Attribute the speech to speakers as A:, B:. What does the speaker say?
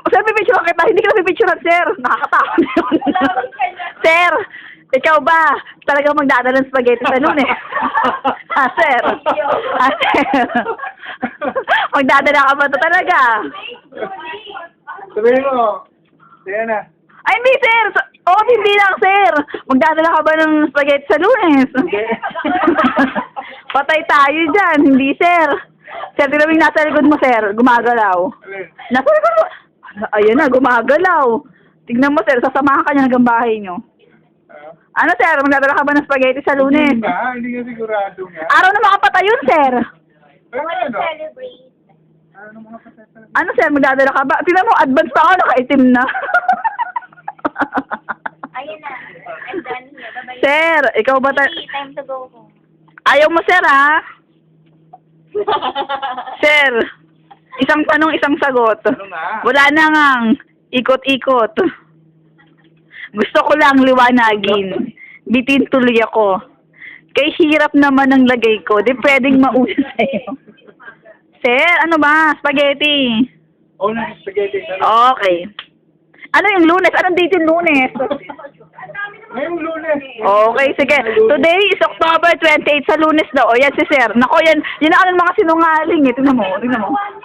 A: Sir, pipicturean kita. Hindi ka pipicturean, sir. Nakakatakot yun. Sir, ikaw ba talagang magdadala ng spaghetti sa Lunes? Ah, sir. Ah, sir. Magdadala ka ba ito talaga?
B: Sabihin mo, sige na.
A: Ay, hindi, sir. Oh, hindi lang, sir. Magdadala ka ba ng spaghetti sa Lunes? Patay tayo dyan. Hindi, sir. Sir, tignan mo yung nasa likod mo, sir. Gumagalaw. Nasa likod mo. Ayan na, gumagalaw. Tignan mo, sir. Sasamahan ka niya hanggang bahay niyo. Ano, sir? Magdadala ka ba ng spaghetti sa Lunes?
B: Hindi ka sigurado nga.
A: Araw na makapatay yun, sir.
B: Pero ano?
C: Celebrate.
B: Ano mga pasasal?
A: Ano, sir? Magdadala ka ba? Tignan mo, advance pa ako. Nakaitim na.
C: Ayun na. I'm done here. Bye-bye.
A: Sir, ikaw ba
C: Hey, time to go home.
A: Ayaw mo, sir, ha? Sir, isang tanong, isang sagot.
B: Ano nga?
A: Wala na ngang ikot-ikot. Gusto ko lang liwanagin. Bitin tuloy ako. Kay hirap naman ang lagay ko. Di pwedeng mauna sa'yo. Sir, ano ba? Spaghetti.
B: Oh, na spaghetti.
A: Okay. Ano yung Lunes? Anong date yung Lunes?
B: Ngayong Lunes.
A: Okay, sige. Today is October 28 sa Lunes daw. O, yan si Sir. Nako, yan ang mga sinungaling eh. Tingnan mo, tingnan mo.